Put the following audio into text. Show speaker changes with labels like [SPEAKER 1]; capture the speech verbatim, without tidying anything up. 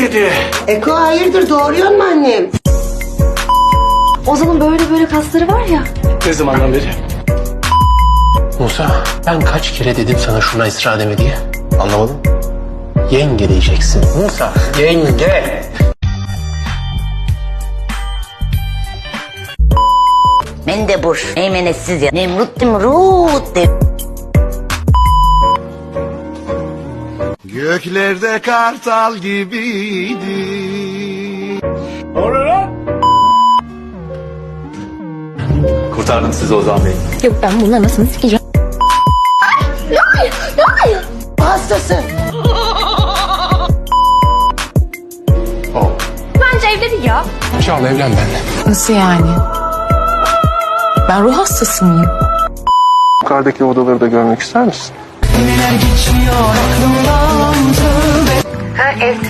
[SPEAKER 1] dedi.
[SPEAKER 2] Eko hayırdır, doğuruyor mu annem?
[SPEAKER 3] Ozan'ın böyle böyle kasları var ya.
[SPEAKER 1] Ne zamandan beri?
[SPEAKER 4] Musa, ben kaç kere dedim sana şuna ısrar deme diye. Anlamadım. Yenge diyeceksin. Musa, yenge.
[SPEAKER 5] Mendebur, meymenetsiz ya. Nemrut Nemrut de.
[SPEAKER 6] Göklerde kartal gibiydi.
[SPEAKER 1] Kurtardım sizi Ozan Bey.
[SPEAKER 3] Yok ben bunları nasıl sikeceğim?
[SPEAKER 2] Hastası.
[SPEAKER 3] Bence evlenin ya.
[SPEAKER 4] Çağla evlen benimle.
[SPEAKER 3] Nasıl yani? Ben ruh hastası mıyım?
[SPEAKER 4] Yukarıdaki odaları da görmek ister misin?
[SPEAKER 2] Ha, ev